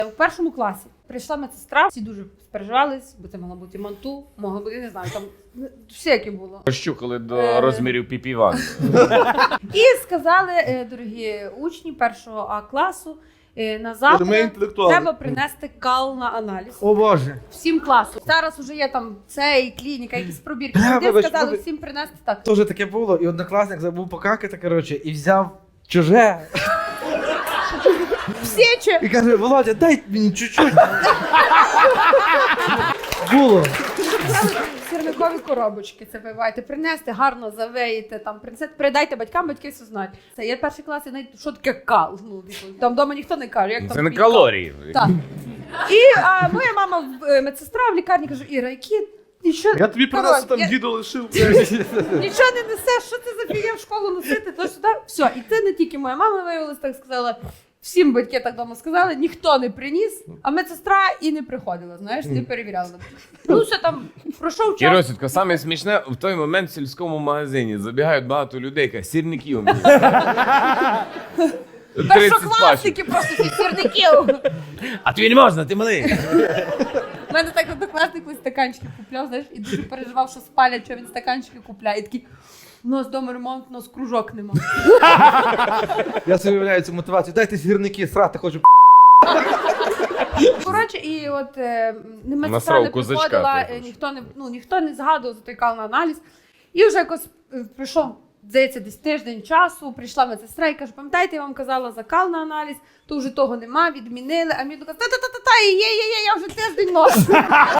В першому класі прийшла медсестра, всі дуже спереживались, бо це могла бути манту, могла бути, не знаю, там всяке було. Щухали до розмірів піпіван. І сказали, дорогі учні першого А класу, на завтра треба принести кал на аналіз. О Боже. Всім класу. Зараз вже є там цей, клініка, якісь пробірки. Сюди сказали всім принести так. Тоже таке було, і однокласник забув покакати, коротше, і взяв чуже. Всіче! І каже, Володя, дай мені чуть-чуть. Було. Сірникові коробочки це вивайте, принести, гарно завеїте, там, передайте батькам, батьки все знають. Це є перший клас, і навіть, що таке кал? Ну, там вдома ніхто не каже, як Це там не під калорії. Так. І моя мама, медсестра в лікарні, каже, Іра, які нічого... Я тобі принесу, там діду лишив. Нічого не несеш, що це за фігня в школу носити, то сюди. Все, і це не тільки моя мама виявилась, так сказала, всім батьки так вдома сказали, ніхто не приніс, а медсестра і не приходила, знаєш, не перевіряла. Ну все там, пройшов час. Кіросітко, саме смішне, в той момент в сільському магазині забігають багато людей, кажуть, сірників мені. Першокласники просто всі сірників. А тобі не можна, ти малий. У мене так однокласник ось стаканчики купляв, знаєш, і дуже переживав, що спалять, що він стаканчики купляє. І такий, у нас вдома ремонт, у нас кружок нема. Я собі уявляю цю мотивацію. Дайте сірники, срати хочу. Коротше, і от не медсестра Насрав не козачка, приходила, ти ніхто не згадував за той кал на аналіз. І вже якось прийшов, здається, десь тиждень часу, прийшла медсестра і каже, пам'ятаєте, я вам казала за кал на аналіз, то вже того нема, відмінили. А мені каже, та-та-та-та, є, я вже тиждень ношу.